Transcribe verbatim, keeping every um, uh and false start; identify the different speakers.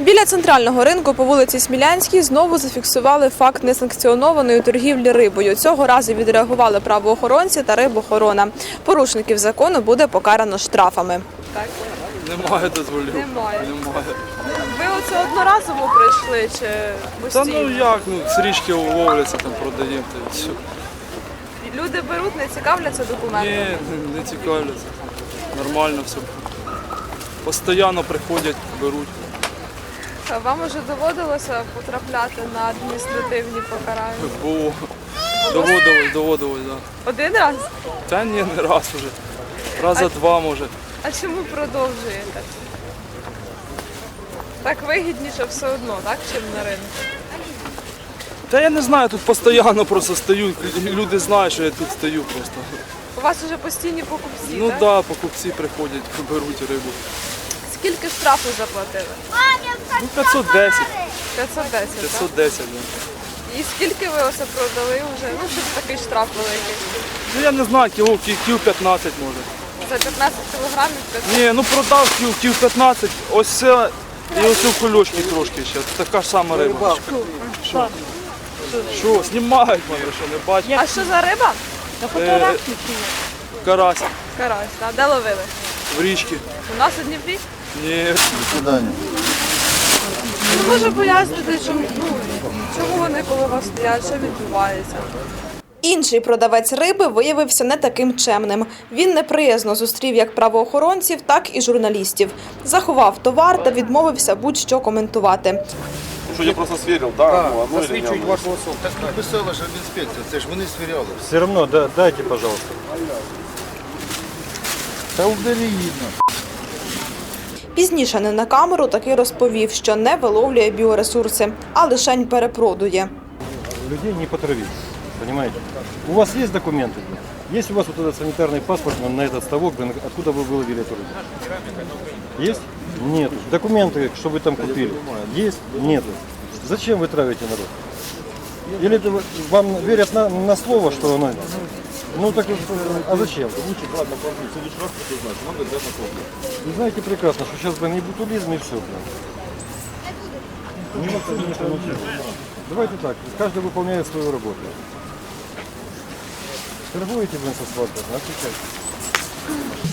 Speaker 1: Біля центрального ринку по вулиці Смілянській знову зафіксували факт несанкціонованої торгівлі рибою. Цього разу відреагували правоохоронці та рибохорона. Порушників закону буде покарано штрафами. Так?
Speaker 2: Немає дозволів.
Speaker 1: Немає.
Speaker 2: Немає.
Speaker 1: Ви оце одноразово прийшли чи постійно?
Speaker 2: Та ну як, ну з річки ловляться, там продаємо. Та все.
Speaker 1: Люди беруть, не цікавляться документами?
Speaker 2: Ні, не, не цікавляться. Нормально все. Постійно приходять, беруть.
Speaker 1: Вам уже доводилося потрапляти на адміністративні покарання?
Speaker 2: Було. Доводилось, доводилось, так. Да.
Speaker 1: Один раз?
Speaker 2: Та ні, не раз вже. Раза два може.
Speaker 1: А чому продовжуєте? Так вигідніше все одно, так, чим на ринку?
Speaker 2: Та я не знаю, тут постійно просто стою. Люди знають, що я тут стою просто.
Speaker 1: У вас вже постійні покупці,
Speaker 2: Ну
Speaker 1: так?
Speaker 2: так, да, покупці приходять, беруть рибу.
Speaker 1: Скільки штрафу заплатили?
Speaker 2: Ну п'ятсот десять.
Speaker 1: п'ятсот десять, так?
Speaker 2: п'ятсот десять, да.
Speaker 1: І скільки ви оце продали вже? Ну, щоб такий штраф великий.
Speaker 2: Ну я не знаю, кіло, кіл п'ятнадцять може.
Speaker 1: За п'ятнадцять кілограмів п'ятсот?
Speaker 2: Ні, ну продав кіл, кіл п'ятнадцять, ось це і ось у кульочки трошки ще. Така ж сама риба. Що? Що, знімають мене, що не бачать?
Speaker 1: А що за риба?
Speaker 2: Е, Карась
Speaker 1: Карась, так? Де ловили?
Speaker 2: в річці.
Speaker 1: У нас у Дніпрі?
Speaker 2: Ні.
Speaker 1: Не можу пояснити, чому, ну, чому вони коло вас стоять, що відбувається. Інший продавець риби виявився не таким чемним. Він неприязно зустрів як правоохоронців, так і журналістів. Заховав товар та відмовився будь-що коментувати.
Speaker 3: Що я просто свірив, да,
Speaker 4: Так,
Speaker 3: ну, оно или
Speaker 4: засвідчують
Speaker 3: не
Speaker 4: вашу особу. Так написала ж інспекція, це ж вони свіряли.
Speaker 5: Все равно да, дайте, пожалуйста.
Speaker 4: Та убери її.
Speaker 1: Пізніше не на камеру таки розповів, що не виловлює біоресурси, а лишень перепродує.
Speaker 5: Людей не потравить, понимаете? У вас есть документы? Есть у вас вот этот санитарный паспорт на, на этот ставок, блин, откуда вы выловили эту рыбу? Есть? Нет. Документы, что вы там купили? Есть? Нет. Зачем вы травите народ? Или это вы- вам верят на, на слово, что оно... Ну так, а зачем? Вы знаете прекрасно, что сейчас, блин, и бутулизм, и все, блин. Нет, конечно, ничего. Давайте так, каждый выполняет свою работу. Торгуете, блин, со свадьбой, отвечайте.